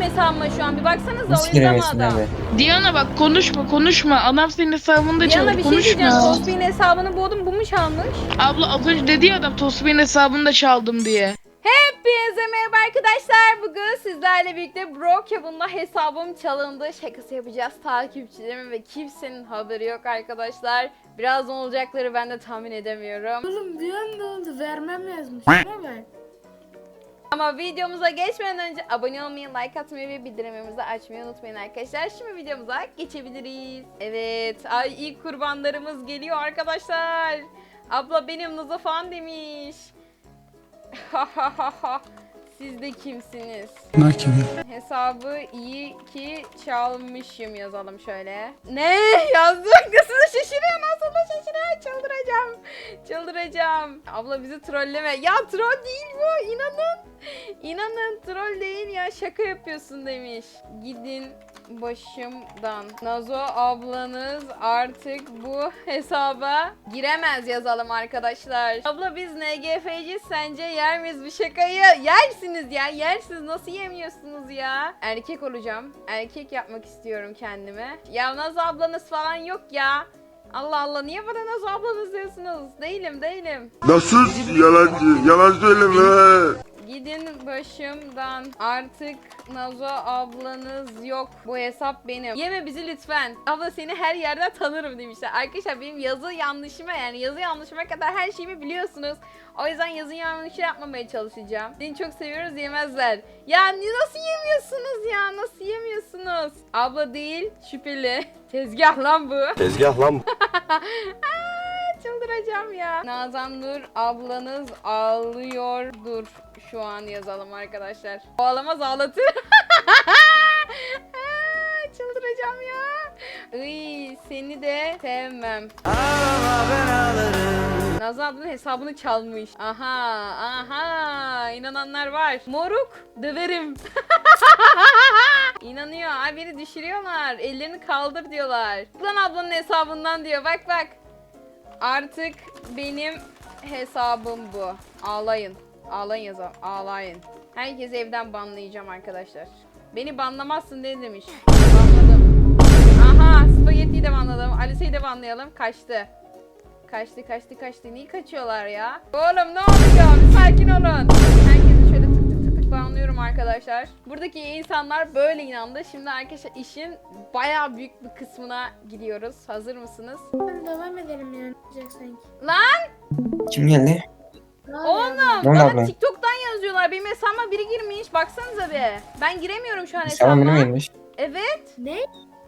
hesabıma şu an. Bir baksanıza Nasıl oyunda mı giremezsin adam? abi? Diana bak konuşma. Adam senin hesabında Diana çaldı. bir şey diyeceğim. Konuşma. Tosbih'in hesabını buldum. Bu mu çalmış? Abla az önce dedi ya adam Tosbih'in hesabını da çaldım diye. Hepinize merhaba arkadaşlar. Bugün sizlerle birlikte Brokehaven'da hesabım çalındı. Şakası yapacağız takipçilerime ve kimsenin haberi yok arkadaşlar. Birazdan olacakları ben de tahmin edemiyorum. Oğlum bir anda oldu, vermem yazmış. Şuna bak. Ama videomuza geçmeden önce abone olmayı, like atmayı ve bildirimlerimizi açmayı unutmayın arkadaşlar. Şimdi videomuza geçebiliriz. Evet, ay ilk kurbanlarımız geliyor arkadaşlar. Abla benim Nazo falan demiş. Siz de kimsiniz? Bunlar kim ya? Hesabı iyi ki çalmışım yazalım şöyle. Ne yazdık? Nasıl da şaşırıyor? Nasıl da şaşırıyor? Çıldıracağım. Abla bizi trolleme. Ya troll değil bu. İnanın troll değil ya. Şaka yapıyorsun demiş. Gidin başımdan. Nazo ablanız artık bu hesaba giremez yazalım arkadaşlar. Abla biz NGF'ci sence yer miyiz bu şakayı? Yersiniz ya. Yersiniz. Nasıl yemiyorsunuz ya? Erkek olacağım. Erkek yapmak istiyorum kendime. Ya Nazo ablanız falan yok ya. Allah Allah niye bana Nazo ablanız diyorsunuz? Değilim. Nasıl yalancı? Yalan söyleme. Gidin başımdan. Artık Nazo ablanız yok. Bu hesap benim. Yeme bizi lütfen. Abla seni her yerden tanırım demişler. Arkadaşlar benim yazı yanlışıma kadar her şeyimi biliyorsunuz. O yüzden yazı yanlışı yapmamaya çalışacağım. Seni çok seviyoruz yemezler. Ya nasıl yemiyorsunuz ya? Nasıl yemiyorsunuz? Abla değil şüpheli. Tezgah lan bu. Tezgah lan. Çıldıracağım ya. Nazan Nur ablanız ağlıyordur. Şu an yazalım arkadaşlar. Ağlamaz ağlatır. Çıldıracağım ya. Iy, seni de sevmem. Nazan ablanın hesabını çalmış. Aha. İnananlar var. Moruk döverim. İnanıyor. Ay beni düşürüyorlar. Ellerini kaldır diyorlar. Lan ablanın hesabından diyor. Bak. Artık benim hesabım bu. Ağlayın yazalım. Ağlayın. Herkesi evden banlayacağım arkadaşlar. Beni banlamazsın ne demiş. Banladım. Aha spagettiyi de banladım. Alice'yi de banlayalım. Kaçtı. Niye kaçıyorlar ya? Oğlum ne oluyor? Bir sakin olun. Herkesi şöyle tık banlıyorum arkadaşlar. Buradaki insanlar böyle inandı. Şimdi arkadaşlar işin bayağı büyük bir kısmına gidiyoruz. Hazır mısınız? Devam edelim yani. Olacak sanki. Lan! Kim geldi? Oğlum Ne oldu bana abla? TikTok'tan yazıyorlar. Benim hesabıma biri girmiş. Baksanıza bir. Ben giremiyorum şu an Tamam benim hesabıma. gelmiş. Evet. Ne?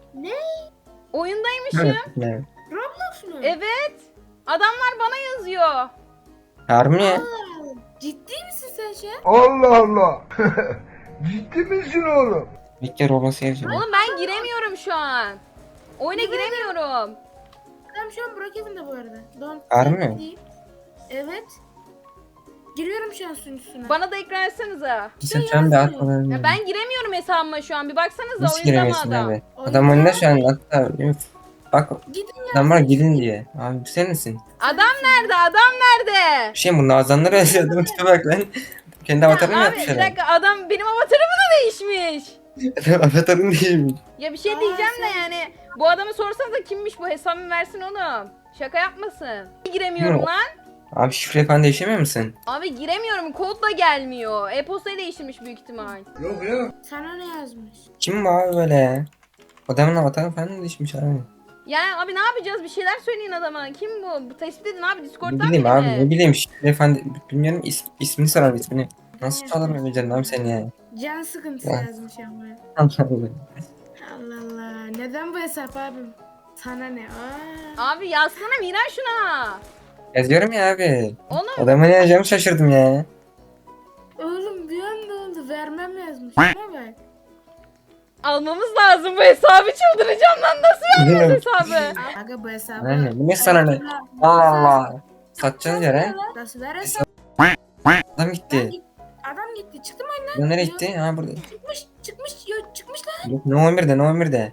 Oyundaymışım. Ne? Roblox mu? Evet. Adamlar bana yazıyor. Harbi mi? Aa, ciddi misin sen şu an? Allah Allah. Ciddi misin oğlum? Bekle Roblox'a gireceğim. Oğlum ben giremiyorum şu an. Oyuna giremiyorum. Adam şu an Brokehaven'da bu arada. Harbi mi? Değil. Evet. Giriyorum şu an sunucusuna. Bana da ekran etsenize. Sen şu an bir atmadan. Ya ben giremiyorum hesabıma şu an. Bir baksanıza Nasıl oyunda mı giremezsin adam? abi? Adam önünde şu an hatta. Bak Gidin ya. adam var gidin diye. Abi bu sen misin? Adam nerede? Bir şey bu Nazanları özledim tipe bak lan. Kendi avatarını mı Abi yapmış bir adam? dakika adam benim avatarımı da değişmiş. Avatarını değilmiş. Ya bir şey diyeceğim de yani bu adamı sorsanıza kimmiş bu hesabımı versin oğlum. Şaka yapmasın. Giremiyorum Yok. lan. Abi şifre falan değişemiyor musun? Abi giremiyorum kod da gelmiyor. E-postayı değiştirmiş büyük ihtimal. Sana ne yazmış? Kim bu abi böyle? Adamın avatarı falan değişmiş abi. Yani abi ne yapacağız bir şeyler söyleyin adama. Kim bu? Bu tespit edin abi Ne Discord'dan bileyim biri abi mi? ne bileyim şifre falan bilmiyorum ismini sorar ismini. Nasıl çalamayacağım abi seni ya? Can sıkıntısı Ya. yazmış ama. Allah Allah. Allah Allah. Neden bu hesap abim? Sana ne? Aa. Abi yazsana Miran şuna. Yazıyorum ya abi. Oğlum Adama ne yazacağımı şaşırdım ya. Oğlum bir anda oldu. Vermem yazmış. Şuna bak. almamız lazım bu hesabı çıldıracağım lan nasıl vermez hesabı? Aga bu hesabı. Aynen bu ne sana ne? Allah Allah. Satacağız yere. Nasıl ver hesabı? Adam gitti. Adam gitti. Çıktı mı oyundan? Adam nereye gitti? Ha burada. Çıkmış lan. Yok no 11'de no 11'de.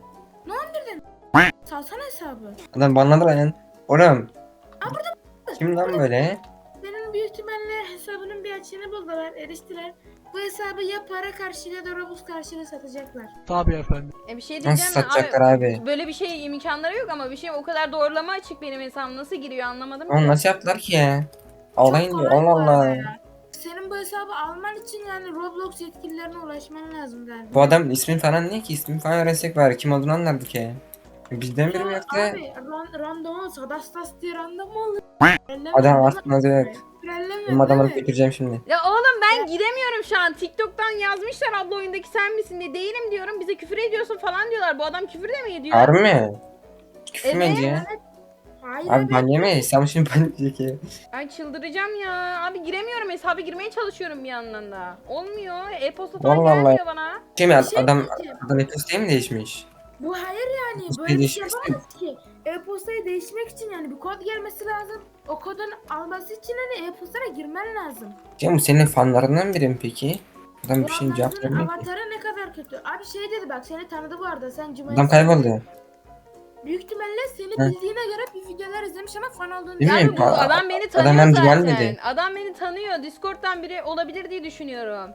Salsana hesabı. Adam banladı lan. Oğlum. Aa, Kim lan böyle? Senin büyük ihtimalle hesabının bir açığını buldular. Eriştiler. bu hesabı ya para karşılığında ya da Robux karşılığında satacaklar. Bir şey Nasıl diyeceğim mi? satacaklar abi? Böyle bir şey imkanları yok ama bir şey o kadar doğrulama açık benim hesabım nasıl giriyor anlamadım Oğlum ki. nasıl yaptılar ki ya? Ağlayın Çok diyor. kolay Allah bu arada Allah. ya. Senin bu hesabı alman için yani Roblox yetkililerine ulaşman lazım galiba. Bu adam ismin falan ne ki? İsmini falan öğrensek var. Kim olduğunu anlardık ya. Bizden biri mi Ya yoksa? abi random olsa Dastas diye random mu olur? Adam aklınızda yok. Benim adamı Değil mi? götüreceğim şimdi. Ya oğlum ben giremiyorum şu an. TikTok'tan yazmışlar abla oyundaki sen misin diye. Değilim diyorum. Bize küfür ediyorsun falan diyorlar. Bu adam küfür de mi ediyor? Harbi mi? Küfür mü Evet. ediyor? Hayır Abi ban yemeyiz. Sen şimdi ban diyecek ya. Ay çıldıracağım ya. Abi giremiyorum. Hesaba girmeye çalışıyorum bir yandan da. Olmuyor. E-posta falan Vallahi. gelmiyor bana. Şey mi Bir şey adam diyeceğim. e-postayı mı değişmiş? Bu hayır yani E-postayı böyle bir şey değiştirsin. yapamaz ki. E-postayı değişmek için yani bir kod gelmesi lazım. O kodun alması için hani e-postaya girmen lazım. Ya bu senin fanlarından biri mi peki? Adam Bu bir şeyin cevap adamın vermiyor ki. avatarı ne kadar kötü. Abi şey dedi bak seni tanıdı bu arada sen Cumali. Adam kayboldu. Büyük ihtimalle seni Hı. bildiğine göre bir videolar izlemiş ama fan olduğunu Değil mi? Yani bu adam beni tanıyor Adam zaten. gelmedi. Adam beni tanıyor. Discord'dan biri olabilir diye düşünüyorum.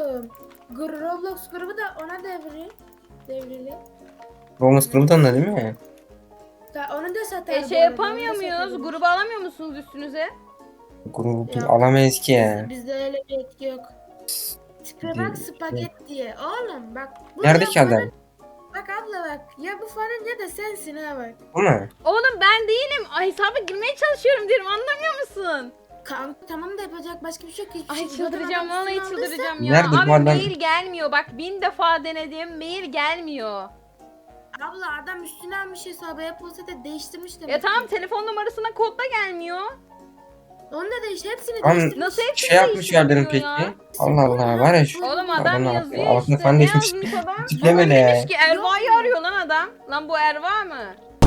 Roblox grubu da ona devrili. Bonus kuruldu onunla değil mi? Onu da satar. Şey yapamıyor muyuz? Grubu alamıyor musunuz üstünüze? Grubu Yok. alamayız ki ya. Bizde öyle bir etki yok. Tipe bak spagetti diye. Oğlum bak. Bu Nerede ya ki adam? Bak abla bak. Ya bu fanın ya da sensin ha bak. Bu mu? Oğlum ben değilim. Ay hesaba girmeye çalışıyorum diyorum. Anlamıyor musun? Kanka tamam da yapacak başka bir şey yok. Hiçbir Ay şey. Zaten çıldıracağım. adam Vallahi üstüne aldıysa- çıldıracağım ya. Nerede bu Abi adam? mail gelmiyor. Bak 1000 defa denedim. Mail gelmiyor. Abla adam üstüne almış hesabı. E-posta da değiştirmiş demek Ya tamam ki. telefon numarasına kod da gelmiyor. Onu da hepsini Am- değiştirmiş. Nasıl hepsini Şey yapmış yerlerin değiştirmiyor peki. ya? Allah Allah var ya şu. Oğlum Adam adam ne yazıyor yapıyor? Altına işte. falan Ne değişmiş. yazmış adam? Tipleme Adam ne ya? demiş ki Erva'yı Yok mu? arıyor lan adam. Lan bu Erva mı?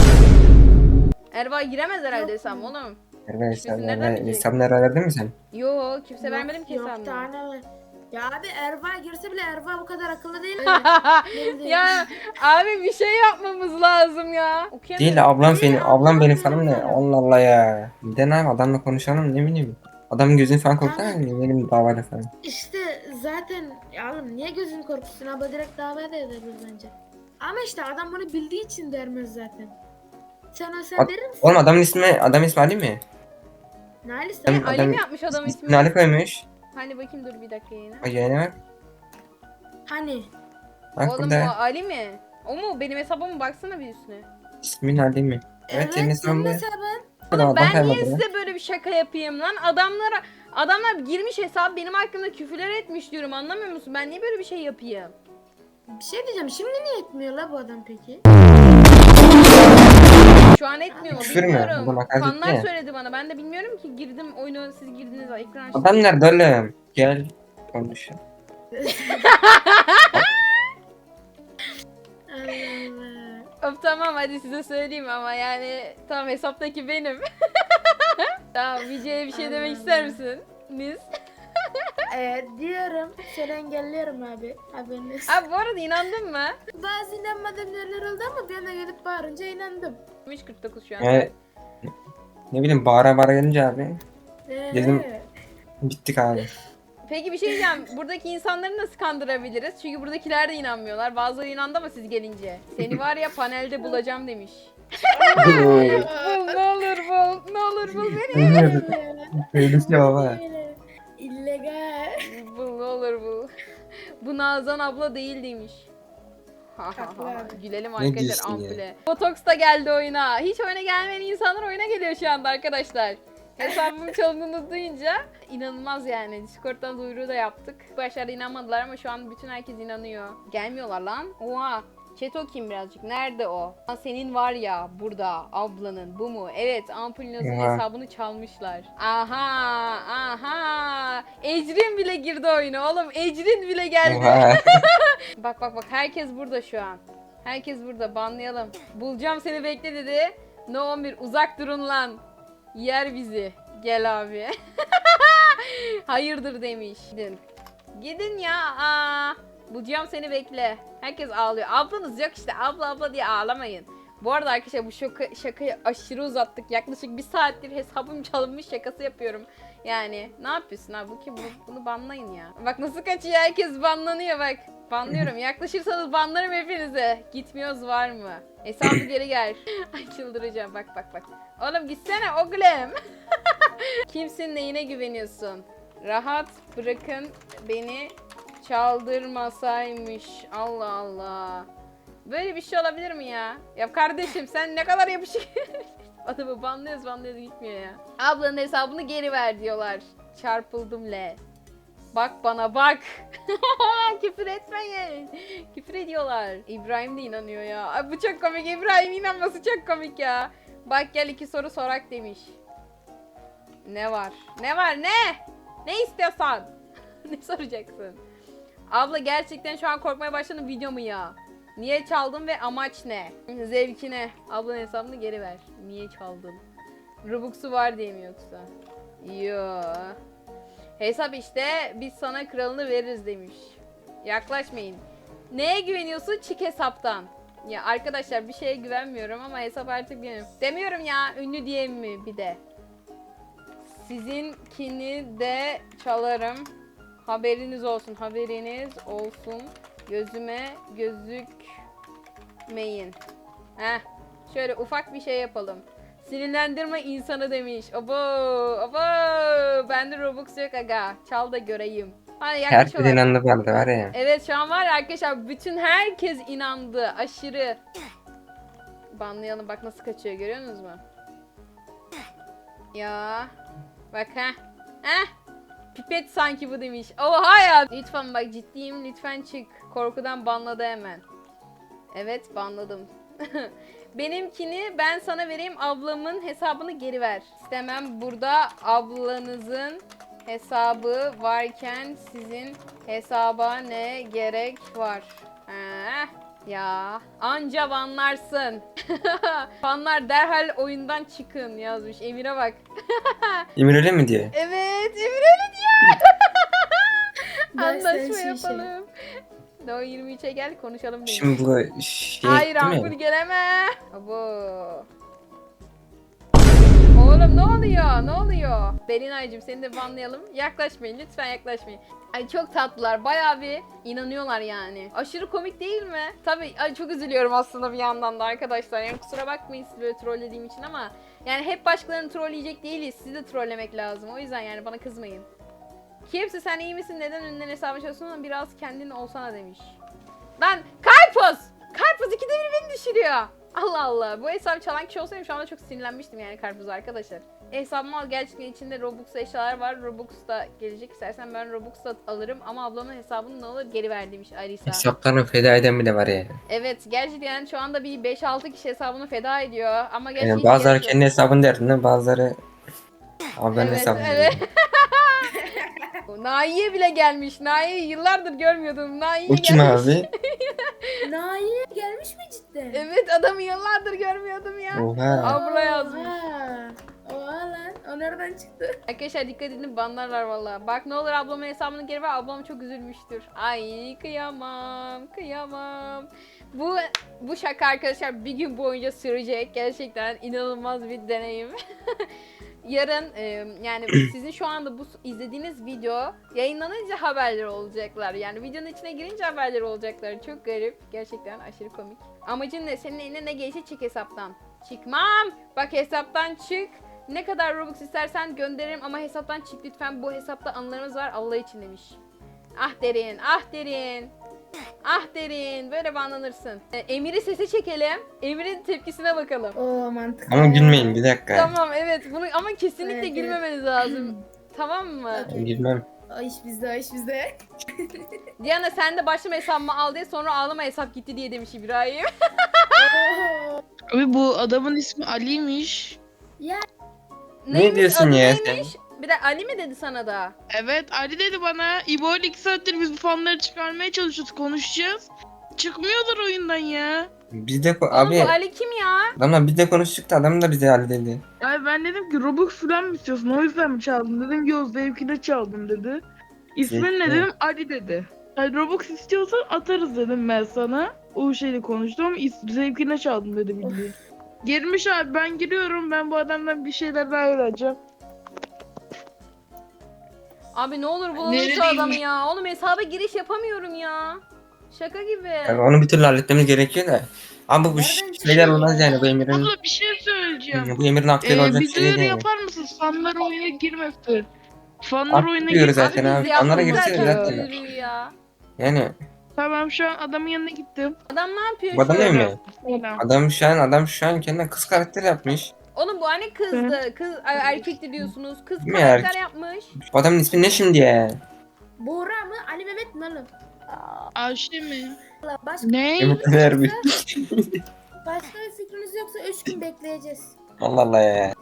Erva giremez herhalde Yok hesabım mu? Nereden oğlum. nereden hesabını bilecek? hesabını verdin mi sen? Yo kimse Yok, vermedim ki yok, hesabımı. tane var. Ya abi Erva girse bile Erva bu kadar akıllı değil. Öyle. Ya abi bir şey yapmamız lazım ya. Okuyamıyorum. Değil ablam Değil, benim. Ablam benim ablam falan ne? benim. Allah Allah ya. Bir de ne yapayım adamla konuşalım ne bileyim. Adamın gözünü falan korkar Kanka. mı? Benim davayla falan. İşte zaten ya oğlum niye gözünü korkutsun abla direkt davaya da edebilir bence. Ama işte adam bunu bildiği için dermez zaten. Sen Ad- derir misin? Oğlum adam ismi Ali mi? Nalis Adam- sen Ali mi yapmış adam ismini? İsmini Ali koymuş. Hani bakayım dur bir dakika yayına. O yayına bak. hani Bak Oğlum o burada. Ali mi? O mu? Benim hesabıma baksana bir üstüne. İsmin Ali mi? Evet senin senin hesabın. hesabın. Adam Ben niye kayboldu lan. size böyle bir şaka yapayım lan? Adamlar girmiş hesap benim hakkımda küfürler etmiş diyorum anlamıyor musun? Ben niye böyle bir şey yapayım? Bir şey diyeceğim şimdi niye etmiyor la bu adam peki? Şu an etmiyor mu Küfür mü? bilmiyorum. Adam hakaret Fanlar etti ya. söyledi bana. Ben de bilmiyorum ki girdim oyunu siz girdiniz ekran açtım. Adam nerede oğlum? Gel konuş. Allah Allah. Of tamam hadi size söyleyeyim ama yani tamam hesaptaki benim. Tamam Vice'ye bir şey demek Allah ister Allah. misiniz? Diyorum seni engelliyorum abi. Haberin olsun. Abi bu arada inandın mı? Bazı inanmadığım yerler oldu ama bir anda gelip bağırınca inandım. 3.49 şu an. Yani ne bileyim bağıra gelince abi. Dedim- Ee, Bittik abi. Peki bir şey diyeceğim. Buradaki insanları nasıl kandırabiliriz? Çünkü buradakiler de inanmıyorlar. Bazıları inandı ama siz gelince. Seni var ya panelde bulacağım demiş. Bul ne olur bul. Ne olur bul beni. Öyle şey baba. İllegal. Bul ne olur bul. Bu Nazan abla değil demiş. Ha ha Haklı ha. abi. Gülelim Ne arkadaşlar diyorsun ya? ampule. Botox da geldi oyuna. Hiç oyuna gelmeyen insanlar oyuna geliyor şu anda arkadaşlar. Hesabımın çalındığını duyunca inanılmaz yani. Discord'dan duyuru da yaptık. Başlarda inanmadılar ama şu an bütün herkes inanıyor. Gelmiyorlar lan. Oha. Chat okuyayım birazcık. Nerede o? Lan senin var ya burada ablanın bu mu? Evet Ampulinoz'un Oha. hesabını çalmışlar. Aha. Ecrin bile girdi oyuna oğlum. Ecrin bile geldi. Oha. Bak herkes burada şu an. Herkes burada banlayalım. Bulacağım seni bekle dedi. No 11 uzak durun lan. Yer bizi. Gel abi. Hayırdır demiş. Gidin ya. Bulacağım seni bekle. Herkes ağlıyor. Ablanız yok işte. Abla diye ağlamayın. Bu arada arkadaşlar bu şakayı aşırı uzattık. Yaklaşık 1 saattir hesabım çalınmış şakası yapıyorum. Yani ne yapıyorsun abi? Bunu banlayın ya. Bak nasıl kaçıyor, herkes banlanıyor bak. Banlıyorum. Yaklaşırsanız banlarım hepinize. Gitmiyoruz var mı? Hesabı geri gel. Ay çıldıracağım. Bak. Oğlum gitsene oğlum. Kimsin, neyine güveniyorsun? Rahat bırakın beni, çaldırmasaymış. Allah Allah. Böyle bir şey olabilir mi ya? Ya kardeşim sen ne kadar yapışık. Adamı banlıyoruz gitmiyor ya. Ablanın hesabını geri ver diyorlar. Çarpıldım le. Bak bana bak. Küfür etmeyin. Küfür ediyorlar. İbrahim de inanıyor ya. Ay, bu çok komik. İbrahim inanması çok komik ya. Bak gel 2 soru sorak demiş. Ne var? Ne var ne? Ne istiyorsan? Ne soracaksın? Abla gerçekten şu an korkmaya başladım, video mu ya? Niye çaldın ve amaç ne? Zevkine. Ablanın hesabını geri ver. Niye çaldın? Robux'u var diye mi yoksa? Yo. Hesap işte, biz sana kralını veririz demiş. Yaklaşmayın. Neye güveniyorsun? Çık hesaptan. Ya arkadaşlar bir şeye güvenmiyorum ama hesap artık benim. Demiyorum ya, ünlü diye mi bir de. Sizinkini de çalarım. Haberiniz olsun, Gözüme gözükmeyin. Heh. Şöyle ufak bir şey yapalım. Sinirlendirme insanı demiş. Abo. Bende Robux yok aga. Çal da göreyim. Hadi Herkes yaklaşıyorlar. inandı bende var ya. Evet şu an var ya arkadaşlar, bütün herkes inandı. Aşırı. Banlayalım, bak nasıl kaçıyor, görüyorsunuz mu? Ya. Bak Pipet sanki bu demiş. Oha ya. Lütfen bak ciddiyim, lütfen çık. Korkudan banladı hemen. Evet banladım. Benimkini ben sana vereyim, ablamın hesabını geri ver. İstemem, burada ablanızın hesabı varken sizin hesaba ne gerek var? Ya anca banlarsın. Fanlar derhal oyundan çıkın yazmış. Emir'e bak. Emir öyle mi diyor? Evet Emir öyle diyor. Anlaşma Dersen yapalım. No 23'e gel konuşalım demiş. Şimdi bu şey Hayır değil Ampul mi? geleme. Abo. Oğlum ne oluyor? Ne oluyor? Belinay'cığım seni de banlayalım. Yaklaşmayın lütfen, yaklaşmayın. Ay çok tatlılar. Bayağı bir inanıyorlar yani. Aşırı komik değil mi? Tabii ay çok üzülüyorum aslında bir yandan da arkadaşlar. Yani kusura bakmayın sizi böyle trollediğim için ama yani hep başkalarını trolleyecek değiliz. Sizi de trollemek lazım. O yüzden yani bana kızmayın. Kimse sen iyi misin? Neden önünden hesabı çalışıyorsun? Biraz kendin olsana demiş. Lan Karpuz! Karpuz ikide bir beni düşürüyor. Allah Allah. Bu hesabı çalan kişi olsaydım şu anda çok sinirlenmiştim yani Karpuz arkadaşlar. Hesabım al, gerçekten içinde Robux eşyalar var. Robux da gelecek, istersen ben Robux da alırım ama ablamın hesabını ne olur geri ver demiş Alisa. Hesaplarını feda eden bile var ya. Evet gerçekten şu anda bir 5-6 kişi hesabını feda ediyor ama gerçekten Yani hiç bazıları gerek yok. kendi hesabını derdinde, bazıları ablanın hesabını Evet. Naiye bile gelmiş. Naiye yıllardır görmüyordum. Naiye O kim gelmiş. abi? Nail gelmiş mi cidden? Evet adamı yıllardır görmüyordum ya. Oha. Abla yazmış. Oha lan. O nereden çıktı? Arkadaşlar dikkat edin, banlarlar valla. Bak ne olur ablamın hesabını geri ver. Ablam çok üzülmüştür. Ay kıyamam. Bu şaka arkadaşlar bir gün boyunca sürecek. Gerçekten inanılmaz bir deneyim. Yarın yani sizin şu anda bu izlediğiniz video yayınlanınca haberleri olacaklar. Yani videonun içine girince haberleri olacaklar. Çok garip. Gerçekten aşırı komik. Amacın ne? Senin eline ne gelirse çık hesaptan. Çıkmam. Bak hesaptan çık. Ne kadar Robux istersen gönderirim ama hesaptan çık lütfen. Bu hesapta anılarımız var Allah için demiş. Ah derin. Böyle banlanırsın. Emir'i sese çekelim. Emir'in tepkisine bakalım. Oo mantıklı. Ama gülmeyin bir dakika. Tamam evet bunu ama kesinlikle Evet, gülmemeniz lazım. Tamam mı? Gülmem. O iş bizde. Diana sen de başlama hesabımı al diye, sonra ağlama hesap gitti diye demiş İbrahim. Abi bu adamın ismi Ali'ymiş. Neymiş, diyorsun adı ya neymiş? Bir de Ali mi dedi sana da? Evet Ali dedi bana. İbo 2 saattir biz bu fanları çıkarmaya çalışıyoruz, konuşacağız. Çıkmıyorlar oyundan ya. Biz de Oğlum abi bu Ali kim ya? adamla biz de konuştuk da adam da bize halledildi. Abi ben dedim ki Robux falan mı istiyorsun? O yüzden mi çaldın? Dedim yok zevkine çaldım dedi. İsmin ne Zevkine. dedim? Ali dedi. Yani Robux istiyorsan atarız dedim ben sana. O şeyle konuştum ama zevkine çaldım dedi bildiğin. Girmiş abi, ben giriyorum, ben bu adamdan bir şeyler daha öğreneceğim. Abi ne olur bulalım şu Neredeyim? adamı ya. Oğlum hesaba giriş yapamıyorum ya. Şaka gibi. Yani onu bir türlü halletmemiz gerekiyor da. Ama bu Nereden şeyler çıkıyor olmaz ya? yani bu Emir'in. Abla bir şey söyleyeceğim. Bu Emir'in aklıyla olacak Bir şey değil duyuru yani. yapar mısın? Fanlar oyuna girmesin. Fanlar Artık oyuna diyoruz girmesin. zaten abi. biz Onlara yaptık girse zaten zaten. duyuruyu ya. Yani Tamam, şu an adamın yanına gittim. Adam ne yapıyor bu adam şu değil an? mi? Selam. Adam şu an kendine kız karakter yapmış. Oğlum bu hani kızdı. Kız erkekti diyorsunuz. Kız Değil mi karakter yapmış. Bu adamın ismi ne şimdi ya? Buğra mı? Ali Mehmet mi oğlum? Ayşe mi? Allah, başka, Ne? Emir Erbil. başka bir fikriniz yoksa 3 gün bekleyeceğiz. Allah Allah ya.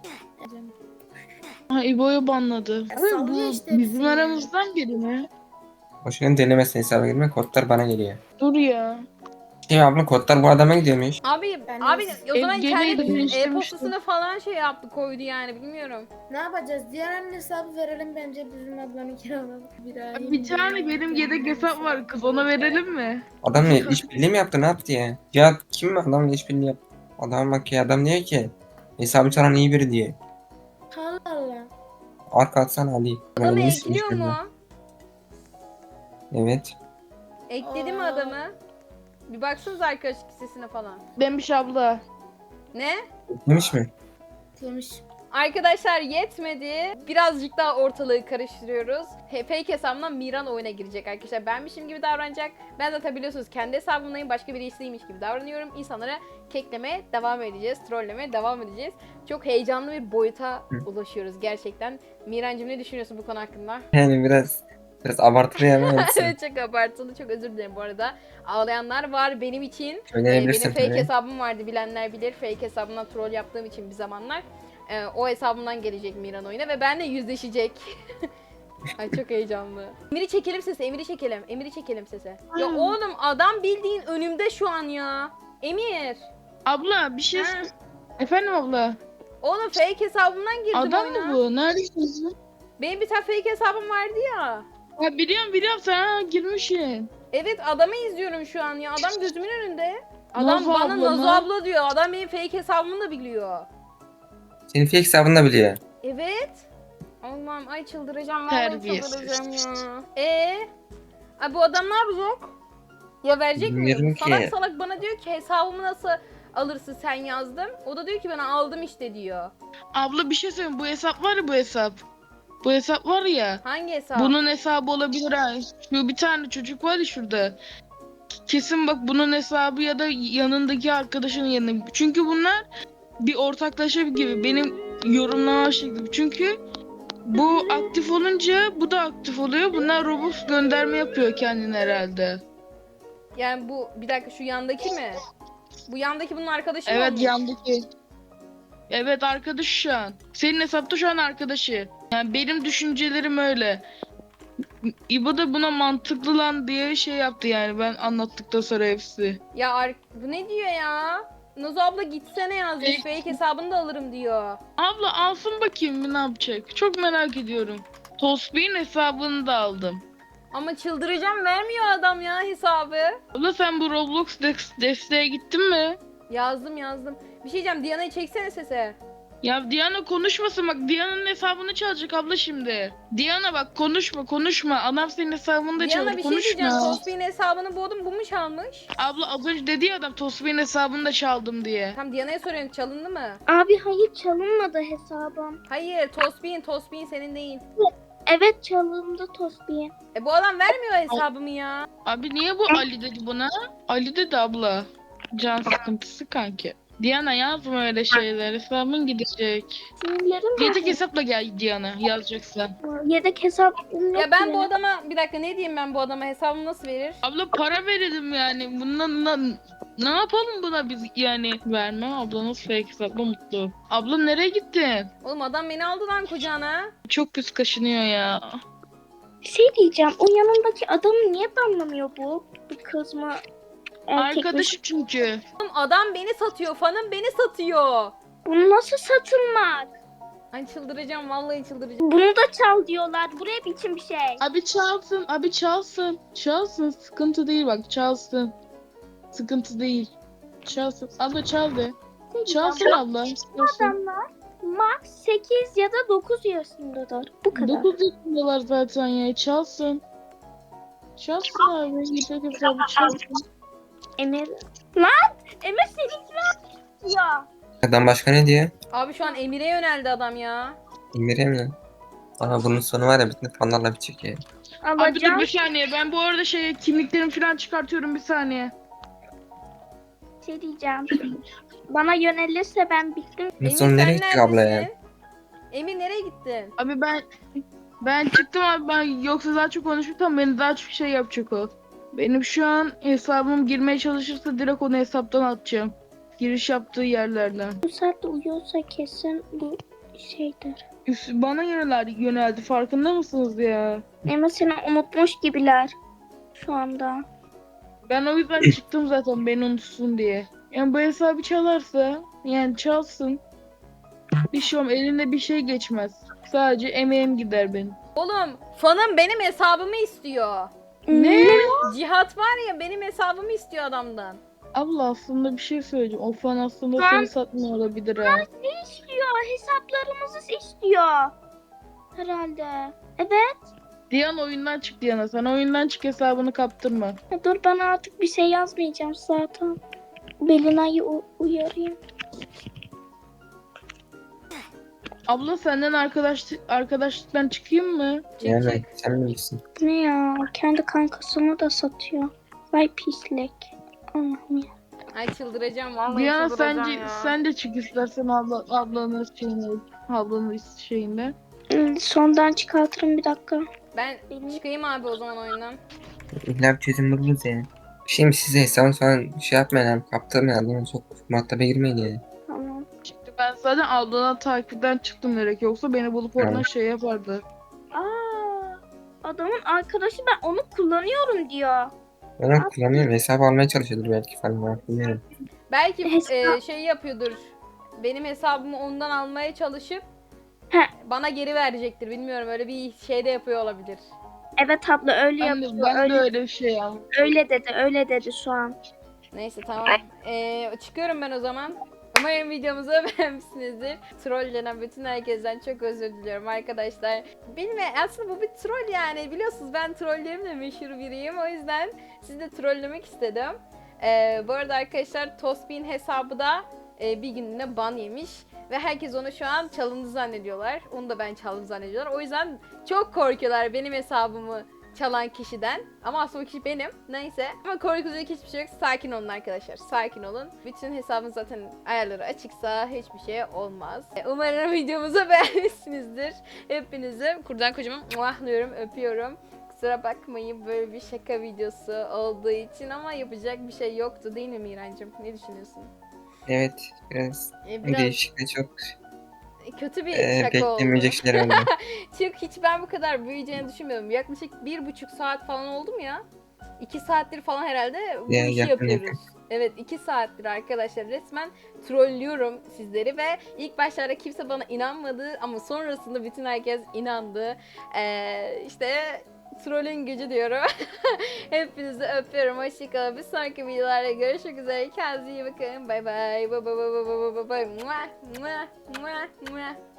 Ha, İbo'yu banladı. Abi Sallıyor bu işte bizim hepsini. aramızdan biri mi? Boşuna denemesin hesaba girme. Kodlar bana geliyor. Dur ya. Şey abla kodlar bu adama gidiyormuş. Abi Ben abi de- o zaman Evgeli'yi kendi değiştirmiştim. e-postasına falan şey yaptı koydu yani bilmiyorum. Ne yapacağız? Diğer anne hesabı verelim bence bizim ablanın kiralalım. Bir tane benim yedek hesap var, kız, ona verelim mi? Adamla işbirliği mi yaptı ne yaptı ya? Ya kim mi adamla işbirliği yaptı? Adam bak ya adam diyor ki hesabı çalan iyi biri diye. Allah Allah. Arka atsana Ali. Adamı Yeni ekliyor silmiş mu? beni. Evet. Ekledi mi Aa. adamı? Bir baksanız arkadaşlık listesine falan. Demiş abla. Ne? Demiş mi? Demiş. Arkadaşlar yetmedi. Birazcık daha ortalığı karıştırıyoruz. Fake hesabımdan Miran oyuna girecek arkadaşlar. Benmişim gibi davranacak. Ben zaten biliyorsunuz kendi hesabımdayım. Başka birisiymiş gibi davranıyorum. İnsanlara keklemeye devam edeceğiz. Trollemeye devam edeceğiz. Çok heyecanlı bir boyuta ulaşıyoruz gerçekten. Mirancığım ne düşünüyorsun bu konu hakkında? Yani biraz abartılı yani. Evet çok abartılı. Çok özür dilerim bu arada. Ağlayanlar var benim için. Söyleyebilirsin Benim fake tabii. hesabım vardı, bilenler bilir. Fake hesabımdan troll yaptığım için bir zamanlar. O hesabımdan gelecek Miran oyuna ve benimle yüzleşecek. Ay çok heyecanlı. Emir'i çekelim sese, Emir'i çekelim. Emir'i çekelim sese. Ya oğlum adam bildiğin önümde şu an ya. Emir. Abla bir şey... Ha. Efendim abla. Oğlum fake hesabımdan girdim Adam oyuna. mı bu? Neredesiniz? Benim bir tane fake hesabım vardı ya. Ya biliyorum sen girmişsin. Evet adamı izliyorum şu an ya. Adam gözümün önünde. Adam Nazo bana abla Nazo mı? abla diyor. Adam benim fake hesabımı da biliyor. Senin fake hesabını da biliyor. Evet. Allah'ım ay çıldıracağım. Vallahi Terbiyesiz. çıldıracağım ya. Ay bu adam ne yapacak? Ya verecek mi? Bilmiyorum ki. Salak salak bana diyor ki hesabımı nasıl alırsın sen yazdım. O da diyor ki bana aldım işte diyor. Abla bir şey söyleyeyim, bu hesap var ya, bu hesap. Bu hesap var ya. Hangi hesap? Bunun hesabı olabilir ha. Şu bir tane çocuk var ya şurada. Kesin bak bunun hesabı ya da yanındaki arkadaşının yanında. Çünkü bunlar bir ortaklaşa gibi benim yorumlama şeklim. Çünkü bu aktif olunca bu da aktif oluyor. Bunlar Robux gönderme yapıyor kendine herhalde. Yani bu bir dakika şu yandaki mi? Bu yandaki bunun arkadaşı mı Evet olmuş? yandaki. Evet arkadaş şu an. Senin hesapta şu an arkadaşı. Yani benim düşüncelerim öyle. İbo da buna mantıklı lan diye şey yaptı yani ben anlattıktan sonra hepsi. Ya bu ne diyor ya? Nazo abla gitsene yazmış. Fake hesabını da alırım diyor. Abla alsın bakayım bir ne yapacak. Çok merak ediyorum. Tosbih'in hesabını da aldım. Ama çıldıracağım vermiyor adam ya hesabı. Abla sen bu Roblox desteğe gittin mi? Yazdım. Bir şey diyeceğim Diana'yı çeksene sese. Ya Diana konuşmasın bak, Diana'nın hesabını çalacak abla şimdi. Diana bak konuşma. Adam senin hesabını da Diana çalacak, bir şey diyeceğim. konuşma. Tosbih'in hesabını buldum. Bu mu çalmış? Abla az önce dedi ya adam Tosbih'in hesabını da çaldım diye. Tam Diana'ya soruyorum çalındı mı? Abi hayır çalınmadı hesabım. Hayır Tosbih'in senin değil. Evet çalındı Tosbiye. Bu adam vermiyor hesabımı ya. Abi niye bu Ali dedi buna? Ali dedi abla. Can sıkıntısı kanki. Diana yazma öyle şeyler. Hesabın gidecek. Sinirlerim Yedek var. hesapla gel Diana yazacaksan. Yedek hesabım yok Ya ben ki. bu adama bir dakika ne diyeyim ben bu adama hesabımı nasıl verir? Abla para verelim yani. Bundan ne yapalım buna biz yani? Vermem, ablanız fake hesapla mutlu. Abla nereye gittin? Oğlum adam beni aldı lan kucağına. Çok pis kaşınıyor ya. Bir şey diyeceğim. O yanındaki adamı niye banlamıyor bu? Bir kız mı? Erkek mi? Arkadaşı çünkü. Oğlum adam beni satıyor. Fanım beni satıyor. Bunu nasıl satılmak? Ay çıldıracağım, vallahi çıldıracağım. Bunu da çal diyorlar. Bu ne biçim bir şey? Abi çalsın, abi çalsın. Çalsın, sıkıntı değil bak, çalsın. Sıkıntı değil. Çalsın. Abla çal de. Çalsın abla. Çalsın. Adamlar max 8 ya da 9 yaşındadır. Bu kadar. 9 yaşındalar zaten ya, çalsın. Çalsın abi, yeter hesabı çalsın. Emir. Lan! Emir seninki ne ya? Adam başka ne diyor? Abi şu an Emir'e yöneldi adam ya. İndireyim mi? Aa bunun sonu var ya bütün fanlarla bitecek ya. Abi dur Alacağım. bir saniye, ben bu arada kimliklerimi falan çıkartıyorum, bir saniye. Şey diyeceğim. Bana yönelirse ben bittim. Bunun Emir sonu sen nereye gidecek abla ya? neredesin? Emir nereye gittin? Abi ben çıktım abi, ben yoksa daha çok konuşursam beni daha çok şey yapacak o. Benim şu an hesabım girmeye çalışırsa direkt onu hesaptan atacağım. Giriş yaptığı yerlerden. Bu saatte uyuyorsa kesin bu şeydir. Bana yöneldi, farkında mısınız ya? Emir seni unutmuş gibiler. Şu anda. Ben o yüzden çıktım zaten, beni unutsun diye. Yani bu hesabı çalarsa, yani çalsın. Bir şey olmaz, elinde bir şey geçmez. Sadece emeğim gider benim. Oğlum fanım benim hesabımı istiyor. Ne? Cihat var ya, benim hesabımı istiyor adamdan. Abla aslında bir şey söyleyeceğim. O fan aslında Ben- seni satmıyor olabilir ha. Ne istiyor? Hesaplarımızı istiyor. Herhalde. Evet. Diyan oyundan çık Diana. Sen oyundan çık, hesabını kaptırma. Ya dur ben artık bir şey yazmayacağım zaten. Belina'yı uyarayım. Abla senden arkadaşlıktan çıkayım mı? Çık Yani çık. sen bilirsin. Ne ya? Kendi kankasını da satıyor. Vay pislik. Allah'ım ya. Ay çıldıracağım, vallahi Diana çıldıracağım ya. sen de çık istersen ablanın şeyinde. Sondan çıkartırım bir dakika. Ben çıkayım abi o zaman oyundan. İlla bir çözüm buluruz ya. Şimdi size hesabı falan şey yapmayın abi. Kaptırmayın adamı çok muhataba girmeyin ya. Tamam. Çıktı, ben zaten ablanın takipten çıktım direkt, yoksa beni bulup oradan Evet. şey yapardı. Aa, adamın arkadaşı ben onu kullanıyorum diyor. Ben onu kullanıyorum. Hesabı almaya çalışıyordur belki falan. Ben bilmiyorum. Belki Hesap- şey yapıyordur. Benim hesabımı ondan almaya çalışıp He. bana geri verecektir. Bilmiyorum, öyle bir şey de yapıyor olabilir. Evet abla öyle Ben de, yapıyor. ben de Öyle, öyle bir şey yaptım. öyle dedi şu an. Neyse tamam. Çıkıyorum ben o zaman. Umarım videomuzu beğenmişsinizdir. Trollenen bütün herkesten çok özür diliyorum arkadaşlar. Benim aslında bu bir troll yani. Biliyorsunuz ben trollerimle meşhur biriyim. O yüzden sizi de trollemek istedim. Bu arada arkadaşlar Tospin hesabı da bir günlüğüne ban yemiş. Ve herkes onu şu an çalındı zannediyorlar. Onu da ben çaldım zannediyorlar. O yüzden çok korkuyorlar benim hesabımı çalan kişiden. Ama aslında o kişi benim. Neyse. Ama korkulacak hiçbir şey yok. Sakin olun arkadaşlar. Sakin olun. Bütün hesabın zaten ayarları açıksa hiçbir şey olmaz. Umarım videomuzu beğenmişsinizdir. Hepinizi kurdan kocaman muahlıyorum, öpüyorum. Kusura bakmayın böyle bir şaka videosu olduğu için ama yapacak bir şey yoktu değil mi Mirancığım? Ne düşünüyorsun? Evet biraz Biraz değişik ve çok kötü bir şaka oldu. beklenmeyecek şeyler oldu. Çünkü hiç ben bu kadar büyüyeceğini düşünmüyordum. Yaklaşık 1,5 saat falan oldu mu ya? 2 saattir falan herhalde bu Ya, işi yakın, yapıyoruz. Evet 2 saattir arkadaşlar resmen trollüyorum sizleri ve ilk başlarda kimse bana inanmadı ama sonrasında bütün herkes inandı. İşte trollün gücü diyorum. Hepinizi öpüyorum. Hoşçakalın. Bir sonraki videolarda görüşmek üzere. Kendinize iyi bakın. Bay bay. Bay bay bay bay bay bay. Mua, mua, mua, mua.